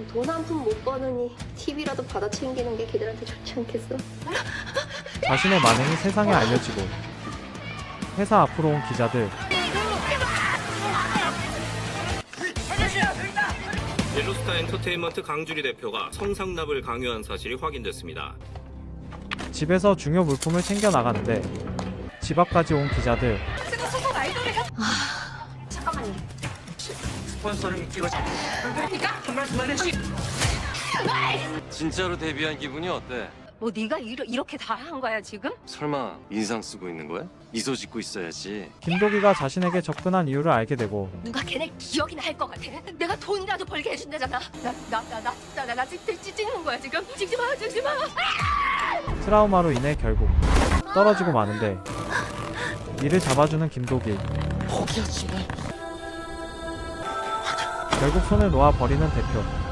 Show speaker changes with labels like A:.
A: 돈 한 푼 못 버느니 TV라도 받아 챙기는 게 걔들한테 좋지 않겠어?
B: 자신의 만행이 세상에 알려지고 회사 앞으로 온 기자들.
C: 옐로스타 엔터테인먼트 강주리 대표가 성상납을 강요한 사실이 확인됐습니다.
B: 집에서 중요 물품을 챙겨 나가는데 집 앞까지 온 기자들.
A: 잠깐만요.
D: 스폰서를 찍어줘. 한 말씀만 해주시.
E: 진짜로 데뷔한 기분이 어때?
F: 뭐 네가 이렇게 다 한 거야 지금?
E: 설마 인상 쓰고 있는 거야? 미소 짓고 있어야지.
B: 김도기가 자신에게 접근한 이유를 알게 되고
F: 누가 걔네 기억이나 할 것 같아? 내가 돈이라도 벌게 해준다잖아. 나 찍는 거야 지금? 찍지 마.
B: 트라우마로 인해 결국 떨어지고 마는데 이를 잡아주는 김도기. 결국 손을 놓아 버리는 대표.